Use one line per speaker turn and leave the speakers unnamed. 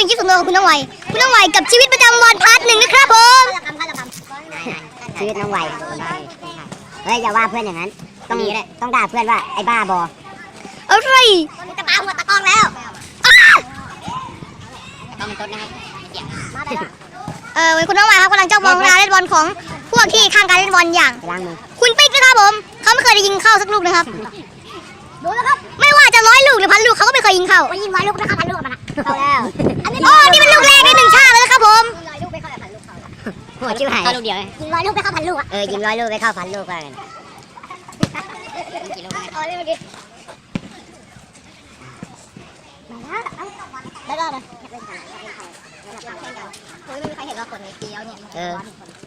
เป็นคลิปส่วนตัวของคุณน้องไวกับชีวิตประจำวันพาร์ท 1นะครับผม
ชีวิตน้องไวเฮ้ยอย่าว่าเพื่อนอย่างนั้นต้องด่าเพื่อนว่าไอ้บ้าบอ
อะไร
จะปาหัวตะกองแล้วต้องเป็นต้นนะครับ
คุณน้องไวครับกำลังจ้องมองการเล่นบอลของพวกที่ข้างการเล่นบอลอย่างคุณปิ๊กนะครับผมเขาไม่เคยได้ยิงเข้าสักลูกนะครับดูนะครับไม่ว่าจะ100 ลูกหรือ1,000 ลูกเขาก็ไม่เคยยิงเข้า
ยิง100 ลูกนะครับ1,000 ลูกมันเข้าแล้ว
นี่เป็นลูกแรกใน1 ชาติเลยนะครับผม
100 ลูกไม่เข้า1,000 ลูกเข้าหัวชิวหายลูกเดียวยิง100 ลูกไม่เข้า1,000 ลูกยิง100 ลูกไม่เข้า1,000 ลูกกันกี่ลูกเมื่อกี้
ได้ได้เลย
ไม่มีใครเห็นว่าคนนี้เกี้ยวเนี่ย